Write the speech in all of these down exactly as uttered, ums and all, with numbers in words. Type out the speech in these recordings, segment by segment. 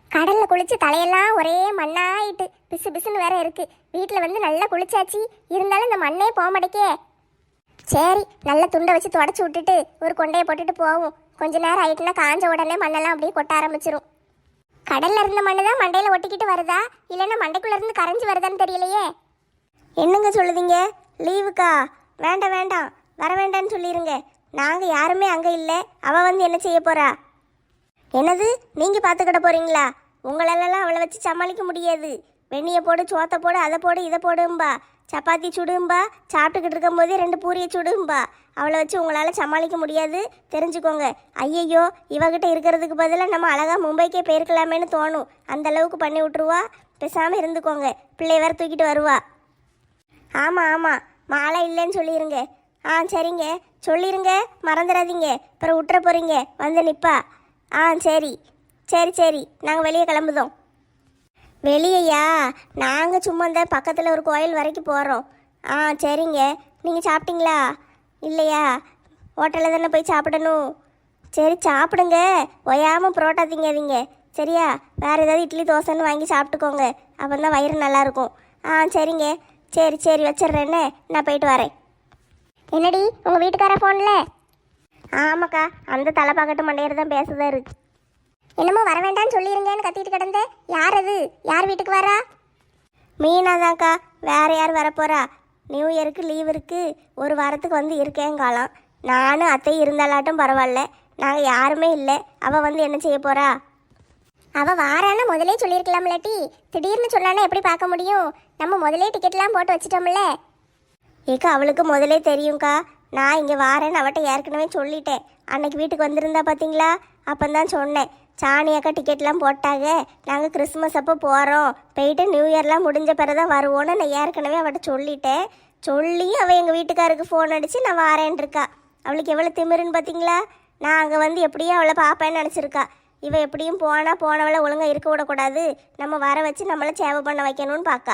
கடல்ல குளிச்சு தலையெல்லாம் ஒரே மண்ணாயிட்டு பிசு பிசுன்னு வேற இருக்கு. வீட்டில் வந்து நல்லா குளிச்சாச்சு, இருந்தாலும் இந்த மண்ணே போக மாட்டேக்கே. சரி, நல்ல துண்டை வச்சு தொடச்சி விட்டுட்டு ஒரு கொண்டையை போட்டுட்டு போவோம். கொஞ்ச நேரம் ஆயிட்டுனா காஞ்ச உடனே மண்ணெல்லாம் அப்படியே கொட்ட ஆரம்பிச்சிரும். கடல்ல இருந்த மண்ணு தான் மண்டையில ஒட்டிக்கிட்டு வருதா, இல்லைன்னா மண்டைக்குள்ள இருந்து கரைஞ்சி வருதான்னு தெரியலையே. என்னங்க சொல்லுதீங்க? லீவுக்கா? வேண்டாம் வேண்டாம், வர வேண்டான்னு சொல்லிடுங்க. நாங்கள் யாருமே அங்கே இல்லை. அவள் வந்து என்ன செய்ய போறா? என்னது, நீங்கள் பார்த்துக்கிட போறீங்களா? உங்களெல்லாம் அவளை வச்சு சமாளிக்க முடியாது. வெந்நியை போடு, சோத்தை போடு, அதை போடு, இதை போடும்பா, சப்பாத்தி சுடும்பா, சாப்பிட்டுக்கிட்டு இருக்கும் போதே ரெண்டு பூரியை சுடும்பா. அவளை வச்சு உங்களால் சமாளிக்க முடியாது, தெரிஞ்சுக்கோங்க. ஐயையோ, இவகிட்ட இருக்கிறதுக்கு பதிலாக நம்ம அழகாக மும்பைக்கே போயிருக்கலாமேன்னு தோணும். அந்த அளவுக்கு பண்ணி விட்ருவா. பேசாமல் இருந்துக்கோங்க. பிள்ளை வேற தூக்கிட்டு வருவா. ஆமாம் ஆமாம், மாலை இல்லைன்னு சொல்லிடுங்க. ஆ சரிங்க, சொல்லிடுங்க, மறந்துடாதீங்க. அப்புறம் விட்டுற போகிறீங்க வந்து நிற்பா. ஆ சரி சரி சரி, நாங்கள் வெளியே கிளம்புதோம். வெளியையா? நாங்கள் சும்மா இந்த பக்கத்தில் ஒரு கோயில் வரைக்கும் போகிறோம். ஆ சரிங்க. நீங்கள் சாப்பிட்டீங்களா? இல்லையா? ஹோட்டலில் தானே போய் சாப்பிடணும். சரி சாப்பிடுங்க, ஒயாமல் புரோட்டா திங்காதீங்க சரியா? வேறு ஏதாவது இட்லி தோசைன்னு வாங்கி சாப்பிட்டுக்கோங்க, அப்போ தான் வயிறு நல்லாயிருக்கும். ஆ சரிங்க, சரி சரி வச்சிட்றேன்னு நான் போயிட்டு வரேன். என்னடி உங்கள் வீட்டுக்கார ஃபோனில்? ஆமாக்கா, அந்த தலை பார்க்கட்டு மண்டையர் தான் பேசுதாரு. என்னமோ வர வேண்டாம்னு சொல்லிருங்கன்னு கத்திட்டு கிடந்த. யார் அது? யார் வீட்டுக்கு வரா? மீனா தான்க்கா, வேற யார் வரப்போறா? நியூ இயருக்கு லீவ் இருக்கு, ஒரு வாரத்துக்கு வந்து இருக்கேங்காலாம். நானும் அத்தை இருந்தாலாட்டும் பரவாயில்ல, நாங்கள் யாருமே இல்லை. அவள் வந்து என்ன செய்ய போறா? அவள் வாரான்னு முதலே சொல்லியிருக்கலாம்லட்டி. திடீர்னு சொன்னானே எப்படி பார்க்க முடியும்? நம்ம முதலே டிக்கெட்லாம் போட்டு வச்சிட்டோம்ல. ஏக்கா, அவளுக்கு முதலே தெரியும்க்கா. நான் இங்கே வாரேன்னு அவட்ட ஏற்கனவே சொல்லிட்டேன். அன்னைக்கு வீட்டுக்கு வந்திருந்தா பார்த்தீங்களா? அப்போந்தான் சொன்னேன், சாணி அக்கா டிக்கெட்லாம் போட்டாங்க, நாங்கள் கிறிஸ்மஸ் அப்போ போகிறோம், போயிட்டு நியூ இயர்லாம் முடிஞ்ச பிறகு தான் வருவோன்னு நான் ஏற்கனவே அவட்ட சொல்லிட்டேன். சொல்லி அவள் எங்கள் வீட்டுக்காருக்கு ஃபோன் அடித்து நான் வாரேன் இருக்கா. அவளுக்கு எவ்வளோ திமிருன்னு பார்த்தீங்களா? நான் அங்கே வந்து எப்படியும் அவளை பார்ப்பேன்னு நினச்சிருக்கா. இவள் எப்படியும் போனால் போனவளை ஒழுங்காக இருக்க விடக்கூடாது, நம்ம வர வச்சு நம்மளை சேவை பண்ண வைக்கணும்னு பார்க்கா.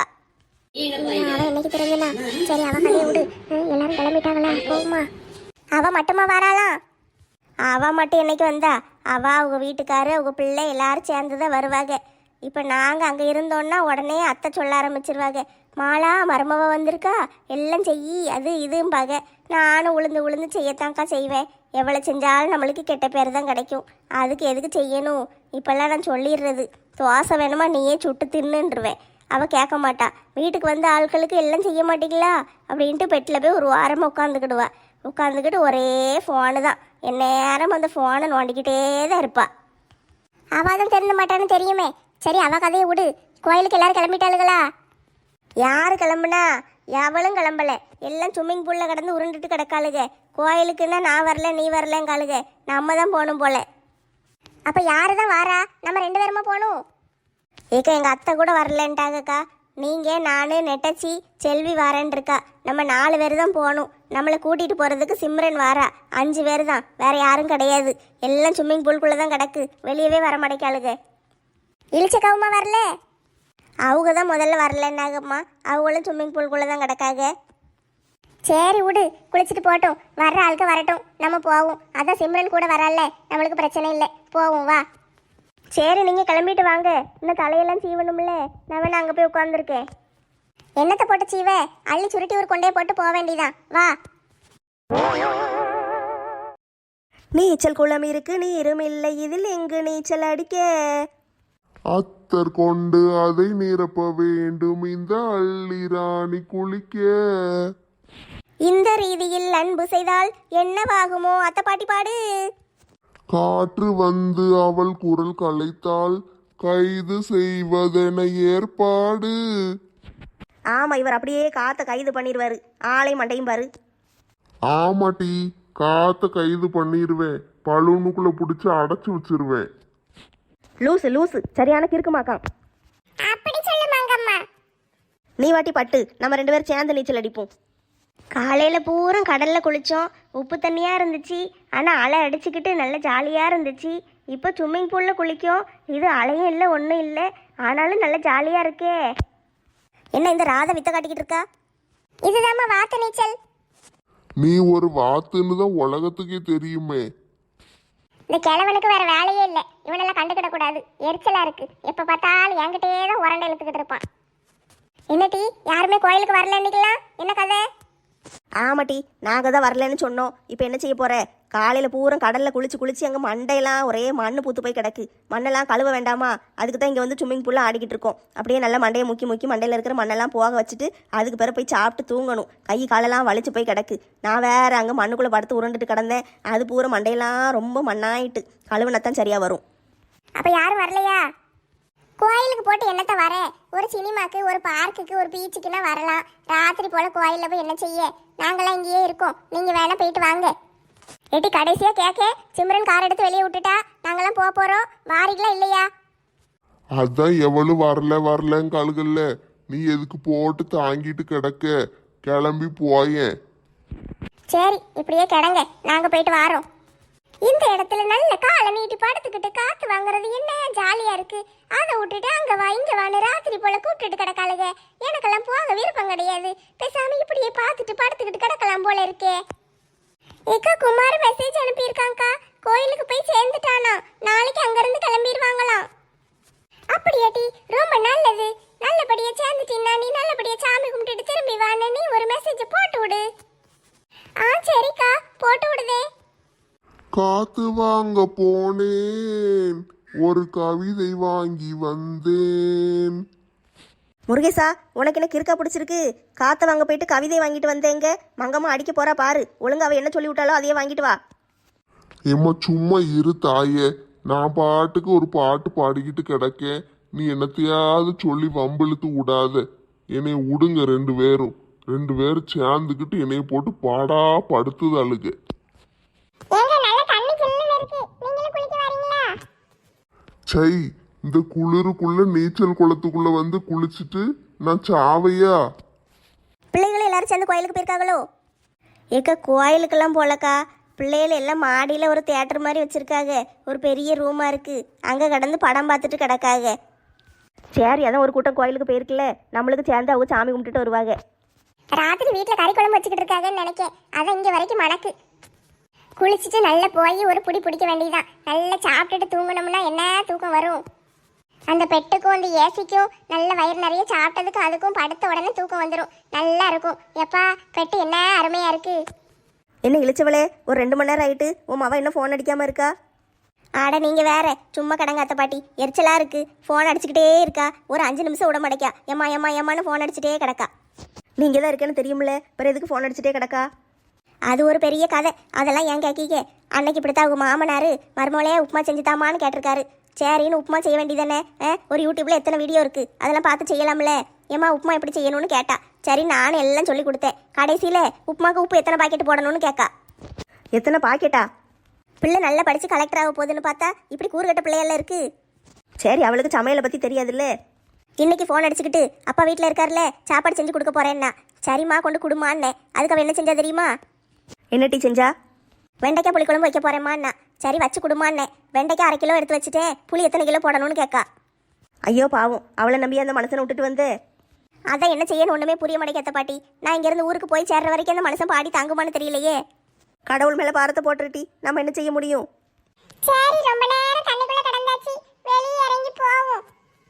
அவன் என்னைக்கு தெரிஞ்சுனா? சரி, அவன் கதையை விடு. எல்லாரும் கிளம்பிட்டாங்களா? போகுமா? அவள் மட்டுமா வராளாம்? அவள் மட்டும் என்னைக்கு வந்தா? அவள் அவங்க வீட்டுக்காரு அவங்க பிள்ளை எல்லாரும் சேர்ந்து தான் வருவாங்க. இப்போ நாங்கள் அங்கே இருந்தோன்னா உடனே அத்தை சொல்ல ஆரம்பிச்சிருவாங்க, மாலா மருமவ வந்திருக்கா, எல்லாம் செய்யி அது இதும்பாங்க. நானும் உளுந்து உளுந்து செய்யத்தாங்க்கா செய்வேன். எவ்வளோ செஞ்சாலும் நம்மளுக்கு கெட்ட பேர் தான் கிடைக்கும். அதுக்கு எதுக்கு செய்யணும்? இப்போல்லாம் நான் சொல்லிடுறது, தோசை வேணுமா நீயே சுட்டு தின்னுன்றுவேன். அவள் கேட்க மாட்டா. வீட்டுக்கு வந்த ஆட்களுக்கு எல்லாம் செய்ய மாட்டீங்களா அப்படின்ட்டு பெட்டில் போய் ஒரு வாரமாக உட்காந்துக்கிடுவா. உட்காந்துக்கிட்டு ஒரே ஃபோனு தான், என் நேரம் அந்த ஃபோனை நோண்டிக்கிட்டே தான் இருப்பாள். அவள் தான் தெரிஞ்ச மாட்டான்னு தெரியுமே. சரி, அவள் கதையை விடு. கோயிலுக்கு எல்லாரும் கிளம்பிட்டாளுங்களா? யார் கிளம்புனா? எவளும் கிளம்பலை. எல்லாம் ஸ்விம்மிங் பூலில் கிடந்து உருண்டுட்டு கிடக்காளுங்க. கோயிலுக்குன்னா நான் வரல நீ வரலங்காளுங்க. நம்ம தான் போகணும் போல. அப்போ யாரு தான் வாரா? நம்ம ரெண்டு பேருமா போகணும். ஏக்கா, எங்கள் அத்தை கூட வரலன்ட்டாங்கக்கா. நீங்கள், நான், நெட்டச்சி, செல்வி வாரேன் இருக்கா. நம்ம நாலு பேர் தான் போகணும். நம்மளை கூட்டிகிட்டு போகிறதுக்கு சிம்ரன் வாரா. அஞ்சு பேர் தான், வேறு யாரும் கிடையாது. எல்லாம் ஸ்விம்மிங் பூல்குள்ளே தான் கிடக்கு, வெளியவே வர மாட்டேக்காளுங்க. இழிச்சக்காவுமா வரல? அவங்க தான் முதல்ல வரலன்னாகம்மா. அவங்களும் ஸ்விம்மிங் பூல்குள்ளே தான் கிடக்காங்க. சரி விடு, குளிச்சுட்டு போட்டோம். வர்ற ஆளுக்கு வரட்டும், நம்ம போவோம். அதான் சிம்ரன் கூட வரல, நம்மளுக்கு பிரச்சனை இல்லை, போவோம் வா. சரி, நீங்கள் கிளம்பிட்டு வாங்க. இன்னும் தலையெல்லாம் சீவணும்ல, நான் வேணா அங்கே போய் உட்காந்துருக்கேன். என்னத்தை போட்டு சீவ? அள்ளி சுருட்டி ஒரு கொண்டே போட்டு போக வேண்டியதான், வா. நீச்சல் குளம் இருக்கு, நீரும் இல்லை, இதில் எங்கு நீச்சல் அடிக்க? அத்தர் கொண்டு அதை நிரப்ப வேண்டும், இந்த அள்ளி ராணி குளிக்க. இந்த ரீதியில் அன்பு செய்தால் என்னவாகுமோ? அத்தை பாட்டி பாடு. காற்று வந்து அவள் குரல் கலைத்தால் கைது செய்வதென ஏற்பாடு. ஆமா, இவர் அப்படியே காத்த கைது பண்ணிடுவாரு. ஆளை மண்டையும் பாரு. ஆமாட்டி, காத்த கைது பண்ணிடுவேன், பலூனுக்குள்ள பிடிச்சி அடைச்சு வச்சிருவேன். லூசு லூசு, சரியான கிறுக்குமாக்கான். அப்படி சொல்லுமாங்கம்மா. நீ வாட்டி பட்டு, நம்ம ரெண்டு பேரும் சேர்ந்து நீச்சல் அடிப்போம். காலையில் பூரா கடலில் குளித்தோம், உப்பு தண்ணியாக இருந்துச்சு. ஆனால் அலை அடிச்சுக்கிட்டு நல்ல ஜாலியாக இருந்துச்சு. இப்போ ஸ்விம்மிங் பூலில் குளிக்கும், இது அலையும் இல்லை ஒன்றும் இல்லை, ஆனாலும் நல்ல ஜாலியாக இருக்கே. என்ன இந்த ராதை வித்த காட்டிக்கிட்டு இருக்கா? இதுதாம்மா வாத்து நீச்சல். நீ ஒரு வாத்துன்னு தான் உலகத்துக்கே தெரியுமே. இந்த கிழவனுக்கு வேற வேலையே இல்லை, இவனெல்லாம் கண்டுக்கிட கூடாது. கூடாது, எரிச்சலா இருக்கு. எப்ப பார்த்தாலும் என்கிட்டே தான் உரண்டை இழுத்துக்கிட்டு இருப்பான். என்னடி யாருமே கோயிலுக்கு வரல இன்னைக்கலாம்? என்ன கதை? ஆமாட்டி, நாங்கள் தான் வரலன்னு சொன்னோம். இப்போ என்ன செய்ய போற? காலையில் பூரா கடலில் குளிச்சு குளிச்சு அங்கே மண்டையெல்லாம் ஒரே மண்ணு பூத்து போய் கிடக்கு. மண்ணெல்லாம் கழுவ வேண்டாமா? அதுக்கு தான் இங்கே வந்து ஸ்விம்மிங் பூல்லாம் ஆடிக்கிட்டு இருக்கோம். அப்படியே நல்லா மண்டையை முக்கி முக்கி மண்டையில் இருக்கிற மண்ணெல்லாம் போக வச்சுட்டு அதுக்கு பிறகு போய் சாப்பிட்டு தூங்கணும். கை காலெல்லாம் வலிச்சு போய் கிடக்கு. நான் வேற அங்கே மண்ணுக்குள்ளே படுத்து உருண்டுட்டு கிடந்தேன். அது பூரா மண்டையெல்லாம் ரொம்ப மண்ணாயிட்டு. கழுவுனத்தான் சரியாக வரும். அப்ப யாரும் வரலையா? கோயிலுக்கு போட்டு என்னத்த வர? ஒரு சினிமாக்கு, ஒரு பார்க்குக்கு, ஒரு பீச்சுக்குன்னா வரலாம். ராத்திரி போல கோயிலில் போய் என்ன செய்ய? நாங்களாம் இங்கேயே இருக்கோம், நீங்க வேணா போயிட்டு வாங்க. எட்டி கடைசியா கேட்க, சிம்ரன் கார் எடுத்து வெளியே விட்டுட்டா, நாங்களாம் போக போறோம். வாரிகளா இல்லையா? அதான் எவளும் வரல வரலன்னு கழுகல்ல, நீ எதுக்கு போட்டு தாங்கிட்டு கிடக்க? கிளம்பி போயேன். சரி, இப்படியே கிடங்க, நாங்க போயிட்டு வாரோம். இந்த இடத்துல நல்ல காலை நீட்டி படுத்துக்கிட்டு காத்து வாங்குறது என்ன ஜாலியா இருக்கு. அதை விட்டுட்டு அங்க வா இங்க வான்னு ராத்திரி போல கூப்பிட்டுட்டு கிடக்காளுக. எனக்கெல்லாம் போக விருப்பம் கிடையாது. பேசாம இப்படியே பார்த்துட்டு படுத்துக்கிட்டு கிடக்கலாம் போல இருக்கே. ஏக்கா, குமார் மெசேஜ் அனுப்பியிருக்காங்கக்கா. கோயிலுக்கு போய் சேர்ந்துட்டானா, நாளைக்கு அங்கிருந்து கிளம்பிடுவாங்களாம். அப்படியாட்டி? ரொம்ப நல்லது. நல்லபடியா சேர்ந்துட்டீன்னா நீ நல்லபடியா சாமி கும்பிட்டுட்டு திரும்பி வான்னு நீ ஒரு மெசேஜ் போட்டு விடு. ஆ சரிக்கா, போட்டு விடுதே. காத்து வாங்க போனேன், ஒரு கவிதை வாங்கி வந்தேன். முருகேசா, உனக்கு என்ன கிறுக்கா பிடிச்சிருக்கு? காற்றை வாங்க போயிட்டு கவிதை வாங்கிட்டு வந்தேங்க. மங்கம்மா அடிக்க போறா பாரு. ஒழுங்கா அவ என்ன சொல்லி விட்டாலோ அதையே வாங்கிட்டு வா. ஏம்மா சும்மா இரு தாயே, நான் பாட்டுக்கு ஒரு பாட்டு பாடிக்கிட்டு கிடக்கேன். நீ என்னத்தையாவது சொல்லி வம்பிழுத்து விடாத. என்னை விடுங்க ரெண்டு பேரும். ரெண்டு பேரும் சேர்ந்துக்கிட்டு என்னைய போட்டு பாடா படுத்துது அழுக. சை, இந்த குளிருக்குள்ள நீச்சல் குளத்துக்குள்ள வந்து குளிச்சுட்டு நான் சாவையா? பிள்ளைகள் எல்லாரும் சேர்ந்து கோயிலுக்கு போயிருக்காங்களோ? ஏக்கா, கோயிலுக்கெல்லாம் போலக்கா. பிள்ளைகள் எல்லாம் மாடியில் ஒரு தியேட்டர் மாதிரி வச்சுருக்காங்க. ஒரு பெரிய ரூமாக இருக்குது. அங்கே கடந்து படம் பார்த்துட்டு கிடக்காங்க. சரி, அதான் ஒரு கூட்டம் கோயிலுக்கு போயிருக்குல்ல, நம்மளுக்கு சேர்ந்து அவங்க சாமி கும்பிட்டுட்டு வருவாங்க. ராத்திரி வீட்டில் கறி குழம்பு வச்சுக்கிட்டு இருக்காங்கன்னு நினைக்கேன். அதான் இங்கே வரைக்கும் மணக்கு. குளிச்சுட்டு நல்லா போய் ஒரு புடி பிடிக்க வேண்டியதான். நல்லா சாப்பிட்டுட்டு தூங்கணும்னா என்ன தூக்கம் வரும்? அந்த பெட்டுக்கும் அந்த ஏசிக்கும் நல்ல வயிறு நிறைய சாப்பிட்டதுக்கு அதுக்கும் படுத்த உடனே தூக்கம் வந்துடும். நல்லா இருக்கும். எப்பா பெட்டு என்ன அருமையா இருக்கு. என்ன இழிச்சவளே, ஒரு ரெண்டு மணி நேரம் ஆயிட்டு உன் மவ இன்னும் ஃபோன் அடிக்காம இருக்கா? ஆட நீங்க வேற சும்மா கடங்க அத்தை பாட்டி. எரிச்சலா இருக்கு. ஃபோன் அடிச்சுக்கிட்டே இருக்கா. ஒரு அஞ்சு நிமிஷம் விட மாட்டேக்கா. ஏமா ஏமா ஏமான்னு ஃபோன் அடிச்சுட்டே கிடக்கா. நீங்க தான் இருக்கேன்னு தெரியுமில்ல, பிறகு எதுக்கு ஃபோன் அடிச்சுட்டே கிடக்கா? அது ஒரு பெரிய கதை. அதெல்லாம் ஏன் கேட்கீங்க? அன்னைக்கு இப்படித்தான் அவங்க மாமனார் மருமலையே உப்புமா செஞ்சுதாமான்னு கேட்டிருக்காரு. சரின்னு உப்புமா செய்ய வேண்டியதானே? ஒரு யூடியூப்ல எத்தனை வீடியோ இருக்கு, அதெல்லாம் பார்த்து செய்யலாம்ல. ஏமா உப்புமா எப்படி செய்யணும்னு கேட்டா. சரி நானும் எல்லாம் சொல்லி கொடுத்தேன். கடைசியில் உப்புமாக்கு உப்பு எத்தனை பாக்கெட் போடணும்னு கேட்கா. எத்தனை பாக்கெட்டா? பிள்ளை நல்லா படித்து கலெக்டர் ஆக போகுதுன்னு பார்த்தா இப்படி கூறுகட்ட பிள்ளையெல்லாம் இருக்கு. சரி, அவளுக்கு சமையலை பற்றி தெரியாதுல்ல. இன்னைக்கு ஃபோன் அடிச்சுக்கிட்டு அப்பா வீட்டில் இருக்கார்ல, சாப்பாடு செஞ்சு கொடுக்க போறேன்னா. சரிம்மா கொண்டு கொடுமான்னே. அதுக்கு அவன் என்ன செஞ்சா தெரியுமா? என்ன டீ செஞ்சா? வெண்டைக்காய் புளி குழம்பு வைக்க போறேம்மாண்ணா. சரி வச்சு கொடுமான்னே. வெண்டைக்காய் அரை கிலோ எடுத்து வச்சுட்டேன். புளி எத்தனை கிலோ போடணும்னு கேட்கா. ஐயோ பாவம், அவளை நம்பி அந்த மனுஷனை விட்டுட்டு வந்து. அதான் என்ன செய்யணும் ஒன்றுமே புரிய மாட்டேங்க பாட்டி. நான் இங்கேருந்து ஊருக்கு போய் சேர்ற வரைக்கும் அந்த மனுஷன் பாடி தாங்குமான்னு தெரியலையே. கடவுள் மேலே பாரத்தை போட்டுருட்டி, நம்ம என்ன செய்ய முடியும்? சரி, ரொம்ப நேரம் தண்ணிக்குள்ள கடந்தாச்சு, வெளியே இறங்கி போவோம்.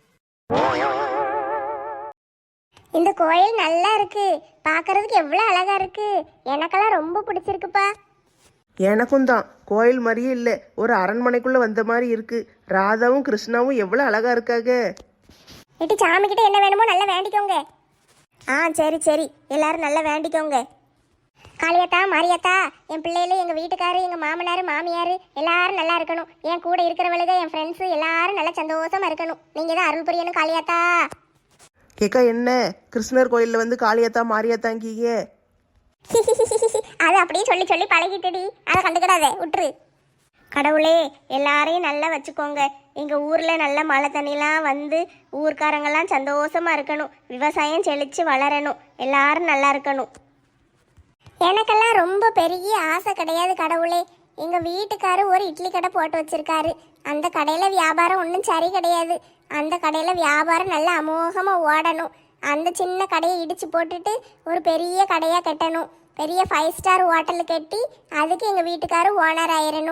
இந்த கோயில் நல்லா இருக்கு. பார்க்கறதுக்கு எவ்வளோ அழகா இருக்கு. எனக்கெல்லாம் ரொம்ப பிடிச்சிருக்குப்பா. எனக்கும் தான். கோயில் மாதிரியே இல்லை, ஒரு அரண்மனைக்குள்ளே வந்த மாதிரி இருக்கு. ராதாவும் கிருஷ்ணாவும் எவ்வளோ அழகா இருக்காங்க. இட்டு சாமி கிட்ட என்ன வேணுமோ நல்லா வேண்டிக்கோங்க. ஆ சரி சரி, எல்லாரும் நல்லா வேண்டிக்கோங்க. காளியத்தா மாரியாத்தா, என் பிள்ளைகள், எங்கள் வீட்டுக்காரு, எங்கள் மாமனார் மாமியார் எல்லாரும் நல்லா இருக்கணும். என் கூட இருக்கிறவளுக, என் ஃப்ரெண்ட்ஸு எல்லாரும் நல்லா சந்தோஷமா இருக்கணும். நீங்கள் தான் அருள் புரியணும் காளியாத்தா. கேக்கா, என்ன கிருஷ்ணர் கோயிலில் வந்து காளியாத்தா மாரியாத்தாங்கிங்க? அது அப்படியே சொல்லி சொல்லி பழகிட்டுடி, அதை கண்டுக்கிடாதே, விட்டுரு. கடவுளே எல்லாரையும் நல்லா வச்சுக்கோங்க. எங்கள் ஊரில் நல்ல மழை தண்ணிலாம் வந்து ஊர்க்காரங்கெல்லாம் சந்தோஷமா இருக்கணும். விவசாயம் செழித்து வளரணும். எல்லாரும் நல்லா இருக்கணும். எனக்கெல்லாம் ரொம்ப பெரிய ஆசை கிடையாது கடவுளே. எங்கள் வீட்டுக்காரு ஒரு இட்லி கடை போட்டு வச்சிருக்காரு. அந்த கடையில் வியாபாரம் ஒன்றும் சரி கிடையாது. அந்த கடையில் வியாபாரம் நல்லா அமோகமாக ஓடணும். அந்த சின்ன கடையை இடித்து போட்டுட்டு ஒரு பெரிய கடையாக கட்டணும். பெரிய ஃபைவ் ஸ்டார் ஹோட்டல் கட்டி அதுக்கு எங்கள் வீட்டுக்காரு ஓனர் ஆயிடணும்.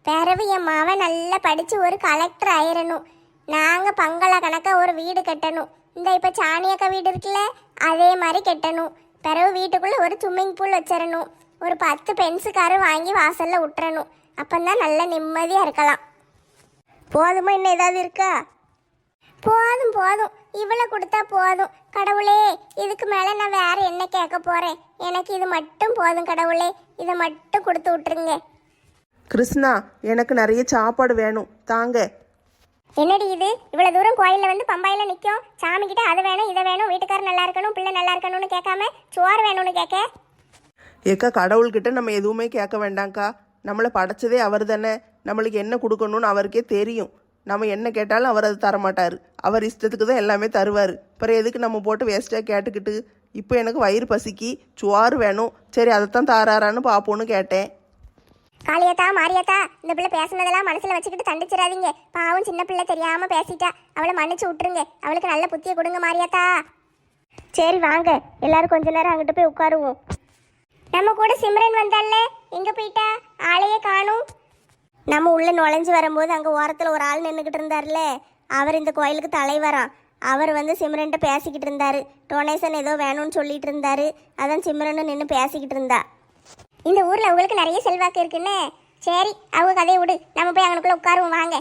பிறவு என் மாவன் நல்லா படிச்சு ஒரு கலெக்டர் ஆயிரணும். நாங்க பங்களா கணக்கா ஒரு வீடு கட்டணும். இந்த இப்ப சாணியக்கா வீடு இருக்குல்ல, அதே மாதிரி கட்டணும். பிறகு வீட்டுக்குள்ள ஒரு ஸ்விம்மிங் பூல் வச்சிடணும். ஒரு பத்து பென்சு காரு வாங்கி வாசல்ல விட்டுறணும். அப்பந்தான் நல்ல நிம்மதியா இருக்கலாம். போதுமா, இன்னும் ஏதாவது இருக்கா? போதும் போதும், இவ்வளவு கொடுத்தா போதும். கடவுளே, இதுக்கு மேல நான் வேற என்ன கேட்க போறேன்? எனக்கு இது மட்டும் போதும் கடவுளே, இதை மட்டும் கொடுத்து விட்டுருங்க. கிருஷ்ணா, எனக்கு நிறைய சாப்பாடு வேணும், தாங்க. என்னடி இது, இவ்வளவு தூரம் கோயில்ல வந்து பம்பாயில நிக்கும், சாமி கிட்ட அது வேணும் இதை வேணும், வீட்டுக்காரர் நல்லா இருக்கணும் பிள்ளை நல்லா இருக்கணும்னு கேட்காம சோறு வேணும்னு கேட்க? ஏக்கா, கடவுள்கிட்ட நம்ம எதுவுமே கேட்க வேண்டாம்க்கா. நம்மளை படைச்சதே அவர் தானே. நம்மளுக்கு என்ன கொடுக்கணும்னு அவருக்கே தெரியும். நம்ம என்ன கேட்டாலும் அவர் அது தரமாட்டார். அவர் இஷ்டத்துக்கு தான் எல்லாமே தருவார். அப்புறம் எதுக்கு நம்ம போட்டு வேஸ்ட்டாக கேட்டுக்கிட்டு? இப்போ எனக்கு வயிறு பசிக்கு சோறு வேணும், சரி அதைத்தான் தாராரான்னு பார்ப்போன்னு கேட்டேன். காளியத்தா மாரியாத்தா, இந்த பிள்ளை பேசுனதெல்லாம் மனசுல வச்சுக்கிட்டு தண்டிச்சிடாதீங்க. பாவம் சின்ன பிள்ளை தெரியாம பேசிட்டா, அவளை மன்னிச்சு விட்டுருங்க. அவளுக்கு நல்ல புத்தியை கொடுங்க மாரியாத்தா. சரி வாங்க, எல்லாரும் கொஞ்ச நேரம் அங்கிட்டு போய் உட்காருவோம். நம்ம கூட சிம்ரன் வந்தால, எங்க போயிட்டா? ஆளையே காணும். நம்ம உள்ள நுழைஞ்சு வரும்போது அங்கே ஓரத்தில் ஒரு ஆள் நின்றுக்கிட்டு இருந்தார்ல, அவர் இந்த கோயிலுக்கு தலைவராம். அவர் வந்து சிம்ரன்ட்ட பேசிக்கிட்டு இருந்தாரு. டொனேஷன் ஏதோ வேணும்னு சொல்லிட்டு இருந்தாரு. அதான் சிம்ரன் நின்று பேசிக்கிட்டு இருந்தா. இந்த ஊர்ல அவங்களுக்கு நிறைய செல்வாக்கு இருக்குன்னு. சரி, அவங்க கதையை விடு, நம்ம போய் அங்கனுக்குள்ள உட்காருவோம் வாங்க.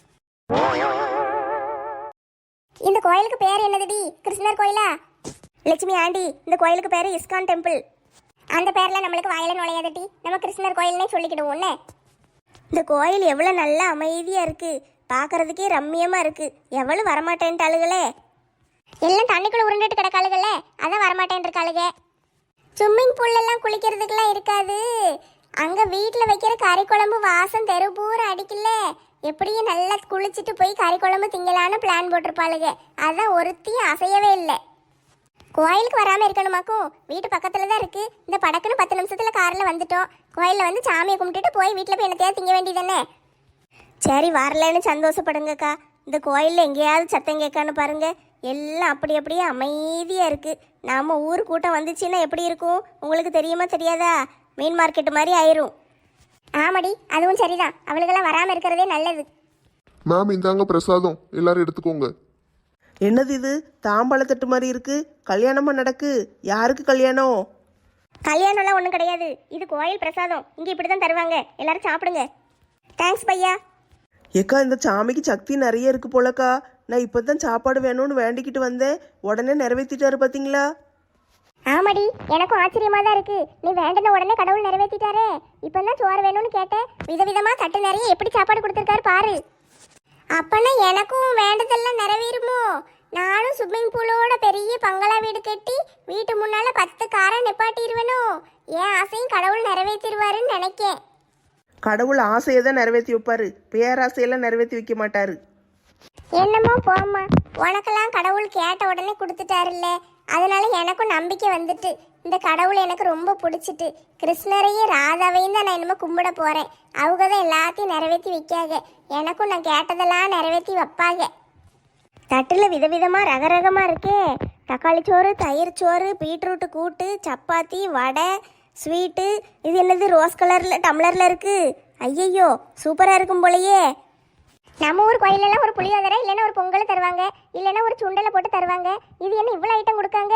இந்த கோயிலுக்கு பேர் என்னதுடி? கிருஷ்ணர் கோயிலா? லட்சுமி ஆண்டி, இந்த கோயிலுக்கு பேர் இஸ்கான் டெம்பிள். அந்த பேர்ல நம்மளுக்கு வாயில நுழையாதட்டி, நம்ம கிருஷ்ணர் கோயில்னே சொல்லிக்கிடுவோம்னே. இந்த கோயில் எவ்வளோ நல்லா அமைதியாக இருக்குது, பார்க்கறதுக்கே ரம்மியமாக இருக்குது. எவ்வளவு வரமாட்டேன்ட்டாளுகளே. எல்லாம் தண்ணிக்குள்ள உருண்டுட்டு கிடக்காளுகள்ல, அதான் வரமாட்டேன் இருக்காளுக. ஸ்விம்மிங் பூல்ல எல்லாம் குளிக்கிறதுக்கெல்லாம் இருக்காது. அங்க வீட்டில் வைக்கிற கறி குழம்பு வாசம் தெரு பூரா அடிக்கல. எப்படியும் நல்லா குளிச்சுட்டு போய் கறி குழம்பு திங்கலான்னு பிளான் போட்டிருப்பாளுங்க. அதான் ஒருத்தையும் அசையவே இல்லை. கோயிலுக்கு வராமல் இருக்கணுமாக்கும், வீட்டு பக்கத்தில் தான் இருக்குது. இந்த படக்குன்னு பத்து நிமிஷத்தில் காரில் வந்துட்டோம். கோயிலில் வந்து சாமியை கும்பிட்டுட்டு போய் வீட்டில் போய் என்னத்தையாவது திங்க வேண்டியதானே. சரி வரலன்னு சந்தோஷப்படுங்கக்கா. இந்த கோயிலில் எங்கேயாவது சத்தம் கேட்கான்னு பாருங்க. எல்லாம் அப்படி அப்படியே அமைதியாக இருக்குது. நம்ம ஊர் கூட்டம் வந்துச்சுன்னா எப்படி இருக்கும் உங்களுக்கு தெரியுமா தெரியாதா? மீன் மார்க்கெட்டு மாதிரி ஆயிரும். ஆமாடி, அதுவும் சரிதான். அவளுக்கெல்லாம் வராமல் இருக்கிறதே நல்லது. மேம் இந்தாங்க பிரசாதம், எல்லாரும் எடுத்துக்கோங்க. என்னது இது? தாம்பாளத்தட்டு மாதிரி இருக்கு. கல்யாணமா நடக்கு? யாருக்கு கல்யாணம்? கல்யாணம்லாம் ஒன்றும் கிடையாது. இது கோயில் பிரசாதம். இங்கே இப்படி தான் தருவாங்க. எல்லாரும் சாப்பிடுங்க. தேங்க்ஸ் பையா. ஏக்கா, இந்த சாமிக்கு சக்தி நிறைய இருக்கு போலக்கா. நான் இப்பதான் சாப்பாடு வேணும்னு வேண்டிக்கிட்டு வந்தேன், உடனே நிறைவேற்றிட்டாரு பாத்தீங்களா? ஆமாடி, எனக்கும் ஆச்சரியமா தான் இருக்கு. நீ வேண்டின உடனே கடவுள் நிறைவேற்றிட்டாரே. இப்பதான் சோறு வேணும்னு கேட்டேன், விதவிதமா தட்டு நிறைய எப்படி சாப்பாடு கொடுத்துருக்காரு பாரு. அப்பனா எனக்கும் வேண்டதெல்லாம் நிறைவேறுமோ? நானும் ஸ்விம்மிங் பூலோட பெரிய பங்களா வீடு கட்டி வீட்டு முன்னால பத்து காரை நிப்பாட்டிடுவேனோ? என் ஆசையும் கடவுள் நிறைவேற்றிடுவாருன்னு நினைக்கேன். கடவுள் ஆசையை தான் நிறைவேற்றி வைப்பாரு, பேராசையெல்லாம் நிறைவேற்றி வைக்க மாட்டாரு. என்னமோ போம்மா, உனக்கெல்லாம் கடவுள் கேட்ட உடனே கொடுத்துட்டாருல்ல, அதனால எனக்கும் நம்பிக்கை வந்துட்டு. இந்த கடவுள் எனக்கு ரொம்ப பிடிச்சிட்டு. கிருஷ்ணரையும் ராதாவையும் தான் நான் என்னமோ கும்பிட போறேன். அவங்க தான் எல்லாத்தையும் நிறைவேற்றி வைக்காங்க. எனக்கும் நான் கேட்டதெல்லாம் நிறைவேற்றி வைப்பாங்க. தட்டில் விதவிதமாக ரகரகமாக இருக்கே. தக்காளி சோறு, தயிர் சோறு, பீட்ரூட்டு கூட்டு, சப்பாத்தி, வடை, ஸ்வீட்டு. இது என்னது ரோஸ் கலரில் டம்ளரில் இருக்குது? ஐயையோ, சூப்பராக இருக்கும் போலையே. நம்ம ஊர் கோயிலெல்லாம் ஒரு புளியோதரை இல்லைன்னா ஒரு பொங்கலை தருவாங்க, இல்லைன்னா ஒரு சுண்டலை போட்டு தருவாங்க. இது என்ன இவ்வளோ ஐட்டம் கொடுக்காங்க?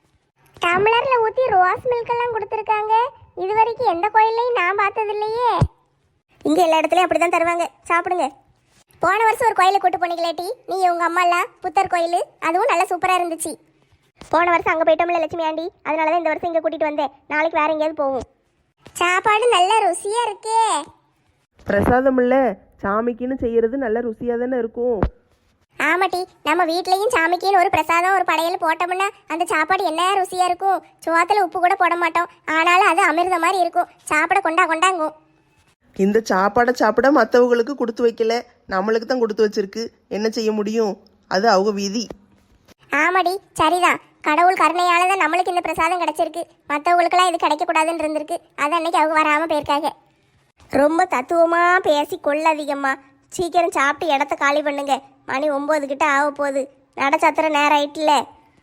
டம்ளரில் ஊற்றி ரோஸ் மில்க் எல்லாம் கொடுத்துருக்காங்க. இது வரைக்கும் எந்த கோயிலையும் நான் பார்த்தது இல்லையே. இங்கே எல்லா இடத்துலையும் அப்படி தான் தருவாங்க. சாப்பிடுங்க. போன வருஷம் ஒரு கோயிலை கூட்டு போனீங்களாட்டி நீ உங்கள் அம்மாலாம், புத்தர் கோயில், அதுவும் நல்லா சூப்பராக இருந்துச்சு. போன வருஷம் அங்கே போயிட்டோம்ல லட்சுமி ஆண்டி, அதனால தான் இந்த வருஷம் இங்கே கூட்டிகிட்டு வந்தேன். நாளைக்கு வேற எங்கேயாவது போவோம். சாப்பாடு நல்ல ருசியாக இருக்கே. பிரசாதம் இல்லை, சாமிக்குன்னு செய்யறது நல்ல ருசியாக தானே இருக்கும். ஆமாட்டி, நம்ம வீட்லேயும் சாமிக்குன்னு ஒரு பிரசாதம் ஒரு படையல் போட்டோம்னா அந்த சாப்பாடு என்ன ருசியாக இருக்கும். சோத்தில் உப்பு கூட போட மாட்டோம், ஆனாலும் அது அமிர்த மாதிரி இருக்கும். சாப்பிட கொண்டா கொண்டாங்கும். இந்த சாப்பாடை சாப்பிட மற்றவங்களுக்கு கொடுத்து வைக்கல, நம்மளுக்கு தான் கொடுத்து வச்சிருக்கு. என்ன செய்ய முடியும்? அது அவங்க விதி. ஆமாடி, சரிதான். கடவுள் கருணையால தான் நம்மளுக்கு இந்த பிரசாதம் கிடைச்சிருக்கு. மற்றவங்களுக்கெல்லாம் இது கிடைக்கக்கூடாதுன்னு இருந்திருக்கு. அது அன்னைக்கு அவங்க வராமல் போயிருக்காங்க. ரொம்ப தத்துவமாக பேசி கொள்ளாதீங்கம்மா. சீக்கிரம் சாப்பிட்டு இடத்த காலி பண்ணுங்க. மணி ஒம்பது கிட்ட ஆக போகுது. நட சத்திர நேரம் ஆயிட்டுல.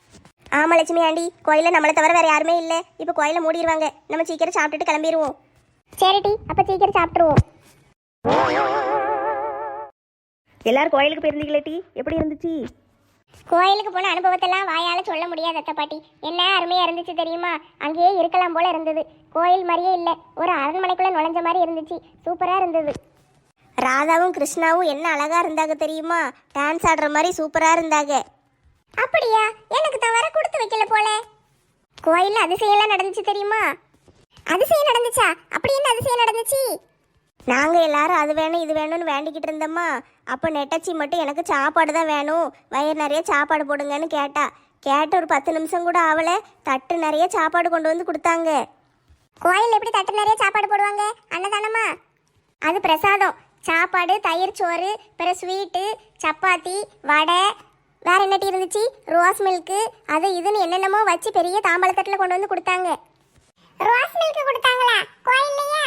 ஆமாம் லட்சுமி ஆண்டி, கோயிலில் நம்மளை தவிர வேறு யாருமே இல்லை. இப்போ கோயிலை மூடிடுவாங்க. நம்ம சீக்கிரம் சாப்பிட்டுட்டு கிளம்பிடுவோம். சரிடி, அப்போ சீக்கிரம் சாப்பிட்ருவோம். எல்லாரும் கோயிலுக்கு போயிருந்தீங்களே டி, எப்படி இருந்துச்சு? கோயிலுக்கு போன அனுபவத்தெல்லாம் வாயால சொல்ல முடியாது அத்தை பாட்டி. என்ன அருமையா இருந்துச்சு தெரியுமா? அங்கேயே இருக்கலாம் போல இருந்தது. கோயில் மாதிரியே இல்லை, ஒரு அரண்மனைக்குள்ள நுழைஞ்ச மாதிரி இருந்துச்சு. சூப்பரா இருந்தது. ராதாவும் கிருஷ்ணாவும் என்ன அழகா இருந்தாங்க தெரியுமா? டான்ஸ் ஆடுற மாதிரி சூப்பரா இருந்தாங்க. அப்படியா? எனக்கு தவிர கொடுத்து வைக்கல போல. கோயில்ல அதிசயம்லாம் நடந்துச்சு தெரியுமா? அதிசயம் நடந்துச்சா? அப்படி என்ன அதிசயம் நடந்துச்சு? நாங்க எல்லாரும் அது வேணும் இது வேணும்னு வேண்டிக்கிட்டு இருந்தோமா. அப்போ நெட்டச்சி மட்டும் எனக்கு சாப்பாடு தான் வேணும், வயிறு நிறைய சாப்பாடு போடுங்கன்னு கேட்டா. கேட்ட ஒரு பத்து நிமிஷம் கூட ஆவலை, தட்டு நிறைய சாப்பாடு கொண்டு வந்து கொடுத்தாங்க. கோயில் எப்படி தட்டு நிறைய சாப்பாடு போடுவாங்க? அன்னதானமா? அது பிரசாதம். சாப்பாடு, தயிர் சோறு, பிற ஸ்வீட்டு, சப்பாத்தி, வடை, வேற என்னட்டி இருந்துச்சு, ரோஸ் மில்க்கு, அது இதுன்னு என்னென்னமோ வச்சு பெரிய தாம்பாள தட்டில் கொண்டு வந்து கொடுத்தாங்க. ரோஸ் மில்க் கொடுத்தாங்களா கோயில்லையா?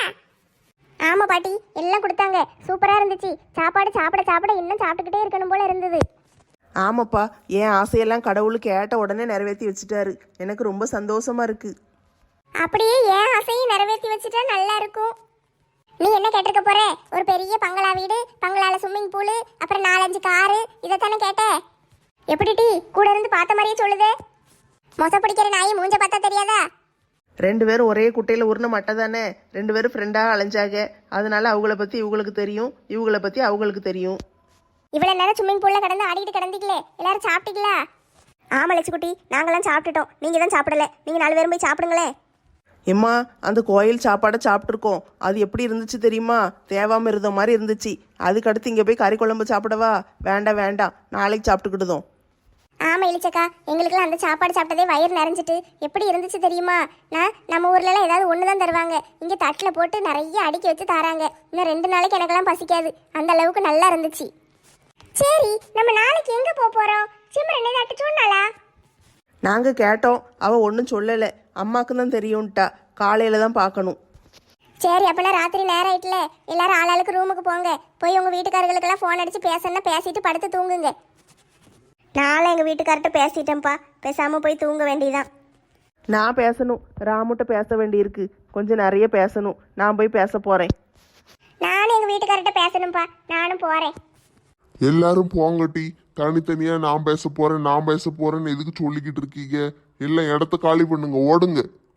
ஆமா பாட்டி, எல்லாம் கொடுத்தாங்க. சூப்பரா இருந்துச்சு. சாப்பாடு சாப்பிட சாப்பிட இன்னும் சாப்பிட்டுக்கிட்டே இருக்கணும் போல இருந்தது. ஆமாப்பா, என் ஆசையெல்லாம் கடவுள் கேட்ட உடனே நிறைவேற்றி வச்சுட்டாரு. எனக்கு ரொம்ப சந்தோஷமா இருக்கு. அப்படியே ஏன் ஆசையும் நிறைவேற்றி வச்சுட்டா நல்லா இருக்கும். நீ என்ன கேட்டிருக்க போற? ஒரு பெரிய பங்களா வீடு, பங்களால ஸ்விம்மிங் பூலு, அப்புறம் நாலஞ்சு காரு, இதைத்தானே கேட்ட? எப்படி டி கூட இருந்து பார்த்த மாதிரியே சொல்லுது? மொச பிடிக்கிற நாய் மூஞ்ச பார்த்தா தெரியாதா? ரெண்டு பேரும் ஒரே குட்டையில் உருண மட்டை தானே. ரெண்டு பேரும் ஃப்ரெண்டாக அலைஞ்சாங்க. அதனால அவங்கள பற்றி இவங்களுக்கு தெரியும், இவங்கள பற்றி அவங்களுக்கு தெரியும். இவ்வளவு நேரம் ஸ்விம்மிங் பூல்ல கடந்து ஆடிட்டு கிடந்தீங்களே, எல்லாரும் சாப்பிட்டீங்களா? ஆமா லட்சுக்குட்டி, நாங்களாம் சாப்பிட்டுட்டோம், நீங்க தான் சாப்பிடல. நீங்க நாலு பேரும் போய் சாப்பிடுங்களேன். எம்மா, அந்த கோயில் சாப்பாடை சாப்பிட்ருக்கோம். அது எப்படி இருந்துச்சு தெரியுமா? தேவாமல் இருந்த மாதிரி இருந்துச்சு. அதுக்கடுத்து இங்கே போய் கறி குழம்பு சாப்பிடவா? வேண்டாம் வேண்டாம், நாளைக்கு சாப்பிட்டுக்கிடுதோம். ஆமா இளிச்சக்கா, எங்களுக்குலாம் அந்த சாப்பாடு சாப்பிட்டதே வயிறு நிறைஞ்சிட்டு எப்படி இருந்துச்சு தெரியுமா? நான் நம்ம ஊர்ல எல்லாம் ஏதாவது ஒன்று தான் தருவாங்க, இங்கே தட்டில் போட்டு நிறைய அடுக்கி வச்சு தராங்க. இன்னும் ரெண்டு நாளைக்கு எனக்கெல்லாம் பசிக்காது, அந்த அளவுக்கு நல்லா இருந்துச்சு. சரி, நம்ம நாளைக்கு எங்க போக போறோம்? சிம்ரன் ஏதாட்டு சொன்னாளா? நாங்கள் கேட்டோம், அவள் ஒன்றும் சொல்லலை. அம்மாவுக்கு தான் தெரியும்ட்டா, காலையில் தான் பார்க்கணும். சரி, அப்பனா ராத்திரி நேரம் ஆயிட்டுல, எல்லாரும் ஆளாளுக்கு ரூமுக்கு போங்க. போய் உங்க வீட்டுக்காரர்களுக்கெல்லாம் ஃபோன் அடிச்சு பேசணும்னா பேசிட்டு படுத்து தூங்குங்க. நானும் எங்கள் வீட்டுக்கார்ட்ட பேசிட்டேன்ப்பா, பேசாமல் போய் தூங்க வேண்டியதான். நான் பேசணும், ராமுட்ட பேச வேண்டியிருக்கு. கொஞ்சம் நிறைய பேசணும். நான் போய் பேச போகிறேன். நானும் எங்க வீட்டுக்காரர்கிட்ட பேசணும்ப்பா, நானும் போறேன். எல்லாரும் போங்கட்டி. தனித்தனியா நான் பேச போறேன் நான் பேச போறேன்னு எதுக்கு சொல்லிக்கிட்டு இருக்கீங்க? எல்லாம் இடத்த காலி பண்ணுங்க, ஓடுங்க.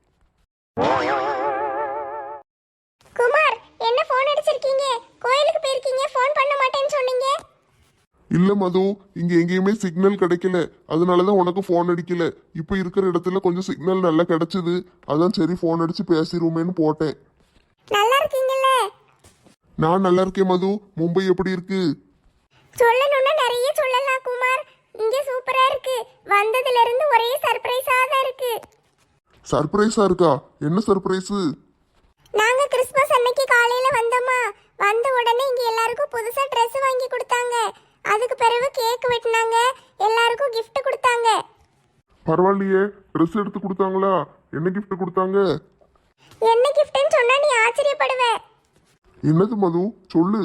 குமார், என்ன ஃபோன் அடிச்சிருக்கீங்க? கோயிலுக்கு போயிருக்கீங்க, ஃபோன் பண்ண மாட்டேன்னு சொன்னீங்க. இல்ல மது, இங்க எங்கேயுமே சிக்னல் கிடைக்கல, அதனாலதான் உனக்கு ஃபோன் அடிக்கல. இப்ப இருக்கிற இடத்துல கொஞ்சம் சிக்னல் நல்லா கிடைச்சது, அதான் சரி ஃபோன் அடிச்சு பேசிருவோமேன்னு போட்டேன். நல்லா இருக்கீங்கல்ல? நான் நல்லா இருக்கேன் மது. மும்பை எப்படி இருக்கு? சொல்லணும்னா நிறைய சொல்லலாம் குமார். இங்க சூப்பரா இருக்கு. வந்ததுல இருந்து ஒரே சர்ப்ரைஸா தான் இருக்கு. சர்ப்ரைஸா இருக்கா? என்ன சர்ப்ரைஸ்? நாங்க கிறிஸ்மஸ் அன்னைக்கு காலையில வந்தோமா, வந்த உடனே இங்க எல்லாருக்கும் புதுசா ட்ரெஸ் வாங்கி கொடுத்தாங்க. அதுக்கு பிறகு கேக் வெட்டினாங்க, எல்லாருக்கும் gift கொடுத்தாங்க. பரவாயில்லையே, ட்ரெஸ் எடுத்து கொடுத்தாங்களா? என்ன கிஃப்ட் கொடுத்தாங்க? என்ன கிஃப்ட்னு சொன்னா நீ ஆச்சரியப்படுவ. என்னது மது, சொல்லு.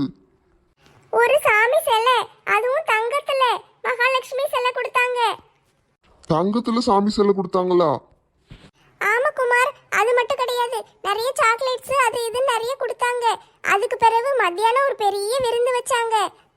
ஒரு சாமி சிலை, அதுவும் தங்கத்துல, மகாலட்சுமி சிலை கொடுத்தாங்க. தங்கத்துல சாமி சிலை கொடுத்தாங்களா? ஆமா குமார், அது மட்டும் கிடையாது, நிறைய சாக்லேட்ஸ் அது இது நிறைய கொடுத்தாங்க. அதுக்கு பிறகு மத்தியானம் ஒரு பெரிய விருந்து வச்சாங்க.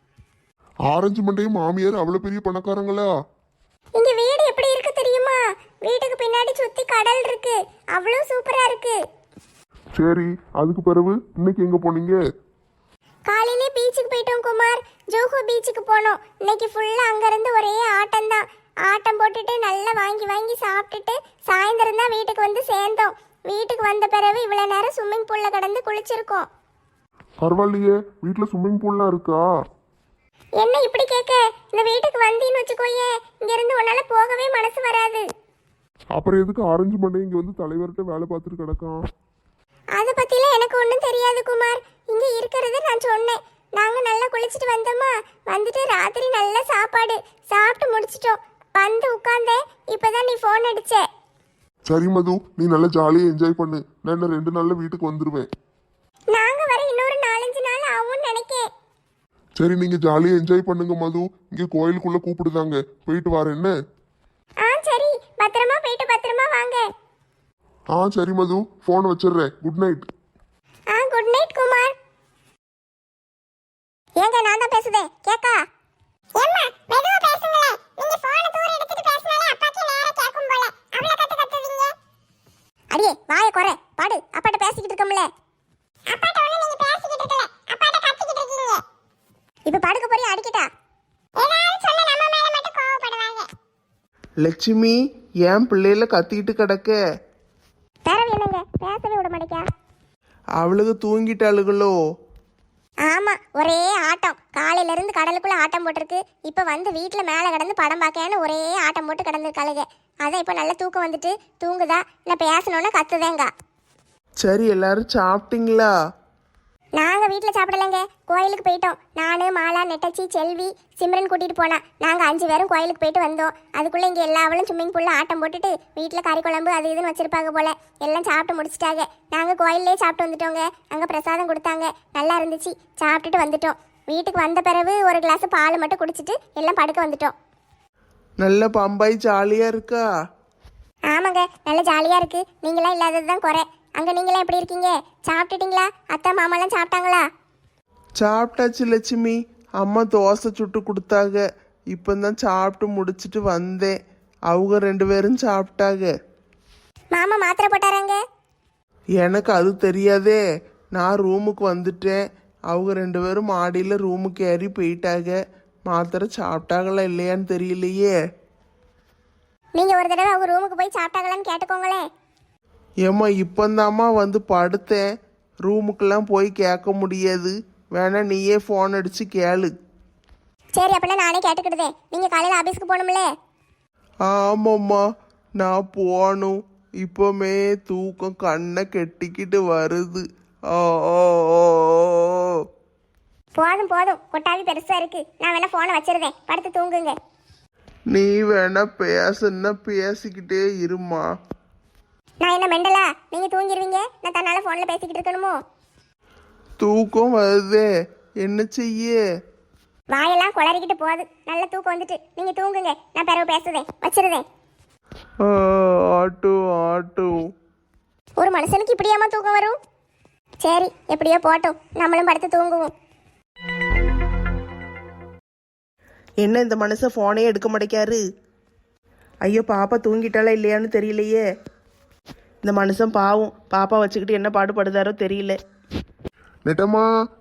ஆரஞ்சு மண்டையும் மாமியார் அவ்வளவு பெரிய பணக்காரங்களா? இங்க வீடு எப்படி இருக்கு தெரியுமா? வீட்டுக்கு பின்னாடி சுத்தி கடல் இருக்கு, அவ்வளவு சூப்பரா இருக்கு. சரி, அதுக்கு பிறகு இன்னைக்கு எங்க போனீங்க? காலையிலே பீச்சுக்கு போயிட்டோம் குமார், ஜோஹோ பீச்சுக்கு போனோம். இன்னைக்கு ஃபுல்லா அங்க இருந்து ஒரே ஆட்டம் தான். ஆட்டம் போட்டுட்டு நல்லா வாங்கி வாங்கி சாப்பிட்டுட்டு சாயந்தரம் தான் வீட்டுக்கு வந்து சேர்ந்தோம். வீட்டுக்கு வந்த பிறகு இவ்வளவு நேரம் ஸ்விம்மிங் பூல்ல கடந்து குளிச்சிருக்கோம். பரவாயில்லையே, வீட்டுல ஸ்விம்மிங் பூல்லாம் இருக்கா? என்ன இப்படி கேட்க? இந்த வீட்டுக்கு வந்தீன்னு வச்சுக்கோயே, இங்க இருந்து உன்னால போகவே மனசு வராது. அப்புறம் எதுக்கு ஆரஞ்சு மண்டை இங்க வந்து தலைவர்கிட்ட வேலை பார்த்துட்டு கிடக்கான்? அதை பத்திலாம் எனக்கு ஒன்றும் தெரியாது குமார். இங்க இருக்கிறது நான் சொன்னேன். நாங்க நல்லா குளிச்சுட்டு வந்தோமா, வந்துட்டு ராத்திரி நல்ல சாப்பாடு சாப்பிட்டு முடிச்சிட்டோம். வந்து உட்கார்ந்தேன், இப்பதான் நீ ஃபோன் அடிச்ச. சரி மது, நீ நல்லா ஜாலியா என்ஜாய் பண்ணு. நான் இன்னும் ரெண்டு நாள்ல வீட்டுக்கு வந்துருவேன். நாங்க வர இன்னொரு நாலஞ்சு நாள் ஆகும்னு நினைக்கேன். சரி, நீங்க ஜாலியா என்ஜாய் பண்ணுங்க மது. இங்க கோயிலுக்குள்ள கூப்பிடுதாங்க, போயிட்டு வரேன் என்ன? ஆ சரி, பத்திரமா போயிட்டு பத்திரமா வாங்க. ஆ சரி மது, போன் வச்சிடுறேன். Good night. ஆ குட் நைட் குமார். ஏங்க நான் தான் பேசுதேன் கேக்கா ஏம்மா மெதுவா பேசுங்களே நீங்க போன் தூர எடுத்துட்டு பேசினாலே அப்பாக்கு நேரா கேக்கும் போல அவள கத்து கத்துவீங்க அடியே வாயை குறை பாடு அப்பாட்ட பேசிக்கிட்டு இருக்கோம்ல அப்பாட்ட ஒண்ணு நீங்க பேசிக்கிட்டு இருக்கல அப்பாட்ட கத்திக்கிட்டு இருக்கீங்க இப்ப படுக்க போறியா அடிக்கிட்டா ஏதாவது சொல்ல நம்ம மேல மட்டும் கோவப்படுவாங்க லட்சுமி ஏன் பிள்ளையில கத்திக்கிட்டு கிடக்க? தரவு என்னங்க பேசவே விட மாட்டேக்கா அவளுக்கு தூங்கிட்டாளுகளோ? ஆமா ஒரே ஆட்டம் காலையில இருந்து கடலுக்குள்ள ஆட்டம் போட்டிருக்கு இப்ப வந்து வீட்டுல மேல கிடந்து படம் பார்க்கன்னு ஒரே ஆட்டம் போட்டு கிடந்திருக்காளுங்க அதான் இப்ப நல்ல தூக்கம் வந்துட்டு தூங்குதா நான் பேசணும்னா கத்துதேங்க சரி, எல்லாரும் சாப்பிட்டீங்களா? நாங்க வீட்டுல சாப்பிடலங்க கோயிலுக்கு போயிட்டோம் நானு மாலா நெட்டச்சி செல்வி சிம்ரன் கூட்டிட்டு போனா நாங்க அஞ்சு பேரும் கோயிலுக்கு போயிட்டு வந்தோம் அதுக்குள்ள இங்க எல்லா அவளும் ஸ்விம்மிங் பூல்ல ஆட்டம் போட்டுட்டு வீட்டுல கறி குழம்பு அது இதுன்னு வச்சிருப்பாங்க போல எல்லாம் சாப்பிட்டு முடிச்சிட்டாங்க நாங்க கோயிலே சாப்பிட்டு வந்துட்டோங்க அங்க பிரசாதம் கொடுத்தாங்க நல்லா இருந்துச்சு சாப்பிட்டுட்டு வந்துட்டோம் வீட்டுக்கு வந்த பிறகு ஒரு கிளாஸ் பால் மட்டும் குடிச்சிட்டு எல்லாம் படுக்க வந்துட்டோம் நல்ல பம்பாய் ஜாலியா இருக்கா? ஆமாங்க நல்ல ஜாலியா இருக்கு நீங்களாம் இல்லாததுதான் குறை அங்க நீங்களாம் எப்படி இருக்கீங்க சாப்பிட்டுட்டீங்களா அத்தை மாமாலாம் சாப்பிட்டாங்களா சாப்பிட்டாச்சு லட்சுமி. அம்மா தோசை சுட்டு கொடுத்தாங்க. இப்போதான் சாப்பிட்டு முடிச்சிட்டு வந்தேன். அவங்க ரெண்டு பேரும் சாப்பிட்டாங்க. மாமா மாத்திரை போட்டாராங்க எனக்கு அது தெரியாதே. நான் ரூமுக்கு வந்துட்டேன். அவங்க ரெண்டு பேரும் மாடியில் ரூமுக்கு ஏறி போயிட்டாங்க. மாத்திரை சாப்பிட்டாங்களா இல்லையான்னு தெரியலையே. நீங்க ஒரு தடவை அவங்க ரூமுக்கு போய் சாப்பிட்டாங்களான்னு கேட்டுக்கோங்களேன் ஏம்மா இப்போந்தாம்மா வந்து படுத்தேன். ரூமுக்கெல்லாம் போய் கேட்க முடியாது. வேணா நீயே ஃபோன் அடிச்சு கேளு. சரி அப்படின்னா நானே கேட்டுக்கிடுதேன் நீங்க காலையில ஆபீஸ்க்கு போகணும்ல ஆமாம்மா நான் போகணும். இப்போமே தூக்கம் கண்ணை கெட்டிக்கிட்டு வருது. ஓ ஓ ஓ, ஓ. போதும் போதும் கொட்டாவி பெருசா இருக்கு நான் வேணா போனை வச்சிருந்தேன் படுத்து தூங்குங்க நீ வேணா பேசுன்னா பேசிக்கிட்டே இருமா. நான் என்ன மெண்டலா நீங்க தூங்கிடுவீங்க நான் தன்னால போன்ல பேசிக்கிட்டு இருக்கணுமோ தூக்கம் வருதே என்ன செய்ய? வாயெல்லாம் குளறிக்கிட்டு போகுது நல்ல தூக்கம் வந்துட்டு நீங்க தூங்குங்க நான் பிறகு பேசுதேன் வச்சிருந்தேன் ஆ, ஆட்டோ ஆட்டோ. ஒரு மனுஷனுக்கு இப்படியாம தூக்கம் வரும் சரி எப்படியோ போட்டும் நம்மளும் படுத்து தூங்குவோம் என்ன இந்த மனுஷன் ஃபோனே எடுக்க மாட்டேக்காரு? ஐயோ பாப்பா தூங்கிட்டாளா இல்லையான்னு தெரியலையே. இந்த மனுஷன் பாவம் பாப்பா வச்சுக்கிட்டு என்ன பாடுபடுதாரோ தெரியல. நெட்டம்மா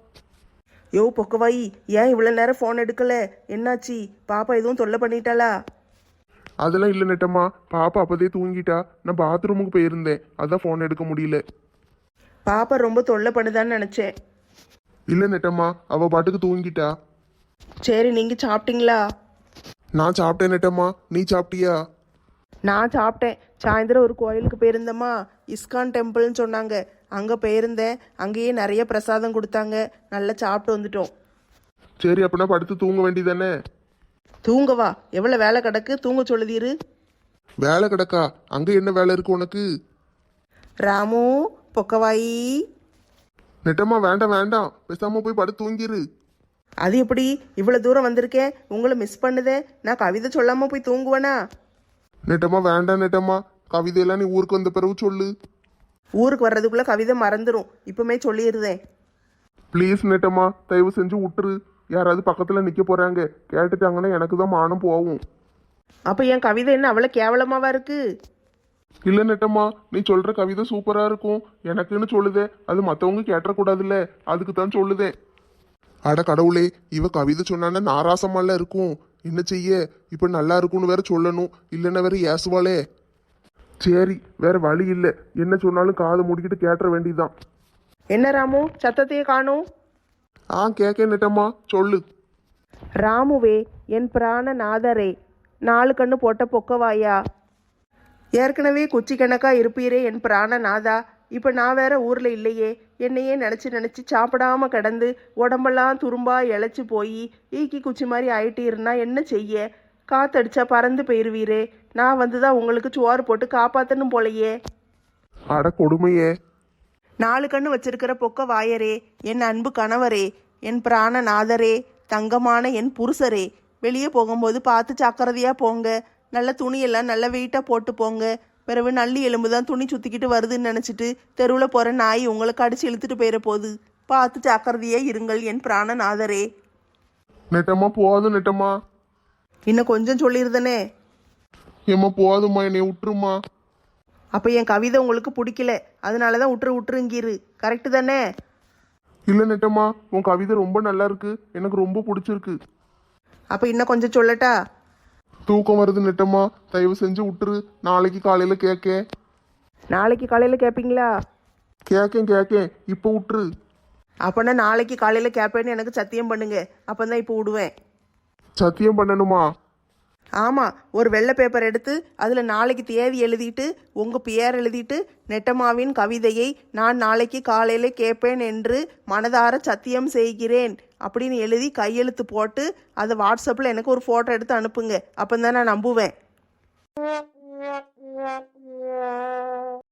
யோ பொக்கவாயி ஏன் இவ்வளோ நேரம் ஃபோன் எடுக்கல? என்னாச்சு? பாப்பா எதுவும் தொல்லை பண்ணிட்டாளா? அதெல்லாம் இல்லை நெட்டம்மா பாப்பா அப்போதே தூங்கிட்டா நான் பாத்ரூமுக்கு போயிருந்தேன் அதான் ஃபோன் எடுக்க முடியல. பாப்பா ரொம்ப தொல்லை பண்ணுதான்னு நினச்சேன். இல்லை நெட்டம்மா அவ பாட்டுக்கு தூங்கிட்டா. சரி நீங்கள் சாப்பிட்டீங்களா? நான் சாப்பிட்டேன் நெட்டம்மா நீ சாப்பிட்டியா? நான் சாப்பிட்டேன். சாயந்தரம் ஒரு கோயிலுக்கு போயிருந்தேம்மா. இஸ்கான் டெம்பிள்னு சொன்னாங்க. அங்கே போயிருந்தேன். அங்கேயே நிறைய பிரசாதம் கொடுத்தாங்க. நல்லா சாப்பிட்டு வந்துட்டோம். சரி அப்படின்னா படுத்து தூங்க வேண்டியதானே? தூங்கவா? எவ்வளோ வேலை கிடக்கு தூங்க சொல்லுதீரு. வேலை கிடக்கா? அங்கே என்ன வேலை இருக்கு உனக்கு? ராமு பொக்கவாயி. நெட்டம்மா வேண்டாம் வேண்டாம் பேசாம போய் படுத்து தூங்கிரு. அது எப்படி? இவ்வளோ தூரம் வந்திருக்கேன் உங்களை மிஸ் பண்ணுதே. நான் கவிதை சொல்லாமல் போய் தூங்குவேனா? நெட்டம்மா வேண்டாம் நெட்டம்மா கவிதையெல்லாம் நீ ஊருக்கு வந்த பிறகு சொல்லு. ஊருக்கு வர்றதுக்குள்ளே கவிதை மறந்துடும். இப்போமே சொல்லிடுதேன். ப்ளீஸ் நெட்டம்மா தயவு செஞ்சு விட்டுரு. யாராவது பக்கத்தில் நிற்க போகிறாங்க கேட்டுட்டாங்கன்னா எனக்கு தான் மானம் போகும். அப்போ என் கவிதை என்ன அவ்வளோ கேவலமாவா இருக்கு? இல்லை நெட்டம்மா நீ சொல்கிற கவிதை சூப்பராக இருக்கும். எனக்குன்னு சொல்லுதே அது மற்றவங்க கேட்டக்கூடாதுல்ல அதுக்கு தான் சொல்லுதே. அட கடவுளே இவ கவிதை சொன்னான்னா நாராசமால இருக்கும். என்ன செய்ய இப்போ நல்லா இருக்கும்னு வேற சொல்லணும் இல்லைன்னா வேற ஏசுவாளே. சரி வேற வழி இல்லை என்ன சொன்னாலும் காதை மூடிக்கிட்டு கேட்டுற வேண்டியதுதான். என்ன ராமு சத்தத்தையே காணும்? ஆ கேட்க நெட்டம்மா சொல்லு. ராமுவே என் பிராண நாதரே நாலு கண்ணு போட்ட பொக்கவாயா. ஏற்கனவே குச்சி கணக்கா இருப்பீரே என் பிராண நாதா. இப்போ நான் வேற ஊரில் இல்லையே. என்னையே நினச்சி நினச்சி சாப்பிடாம கிடந்து உடம்பெல்லாம் துரும்பா இழைச்சி போய் ஈக்கி குச்சி மாதிரி ஆயிட்டீருன்னா என்ன செய்ய? காத்தடிச்சா பறந்து போயிருவீரே. நான் வந்து தான் உங்களுக்கு சோறு போட்டு காப்பாற்றணும் போலையே. அட கொடுமையே. நாலு கண்ணு வச்சிருக்கிற பொக்க வாயரே என் அன்பு கணவரே என் பிராண நாதரே தங்கமான என் புருஷரே. வெளியே போகும்போது பார்த்து ஜாக்கிரதையாக போங்க. நல்ல துணியெல்லாம் நல்ல வெயிட்டாக போட்டு போங்க. பிறகு நல்லி எலும்பு தான் துணி சுற்றிக்கிட்டு வருதுன்னு நினச்சிட்டு தெருவில் போகிற நாய் உங்களை கடிச்சு இழுத்துட்டு போயிட போகுது. பார்த்து ஜாக்கிரதையே இருங்கள் என் பிராணநாதரே. நெட்டம்மா போதும் நெட்டம்மா. இன்னும் கொஞ்சம் சொல்லியிருந்தனே. ஏம்மா போதும்மா, என்னை விட்டுருமா. அப்போ என் கவிதை உங்களுக்கு பிடிக்கல, அதனால தான் விட்டுரு விட்டுருங்கிரு. கரெக்டு தானே? இல்லை நெட்டம்மா, உன் கவிதை ரொம்ப நல்லா இருக்கு, எனக்கு ரொம்ப பிடிச்சிருக்கு. அப்போ இன்னும் கொஞ்சம் சொல்லட்டா? தூக்கம் வருது நெட்டம்மா, தயவு செஞ்சு விட்டுரு. நாளைக்கு காலையில் கேட்க. நாளைக்கு காலையில் கேட்பீங்களா? கேட்கேன் கேட்கேன், இப்போ விட்டுரு. அப்போனா நாளைக்கு காலையில் கேட்பேன்னு எனக்கு சத்தியம் பண்ணுங்க, அப்போ தான் இப்போ விடுவேன். சத்தியம் பண்ணணுமா? ஆமாம், ஒரு வெள்ளை பேப்பர் எடுத்து அதில் நாளைக்கு தேதி எழுதிட்டு உங்கள் பேர் எழுதிட்டு நெட்டம்மாவின் கவிதையை நான் நாளைக்கு காலையில் கேட்பேன் என்று மனதார சத்தியம் செய்கிறேன் அப்படின்னு எழுதி கையெழுத்து போட்டு அதை வாட்ஸ்அப்பில் எனக்கு ஒரு ஃபோட்டோ எடுத்து அனுப்புங்க, அப்போ தான் நான் நம்புவேன்.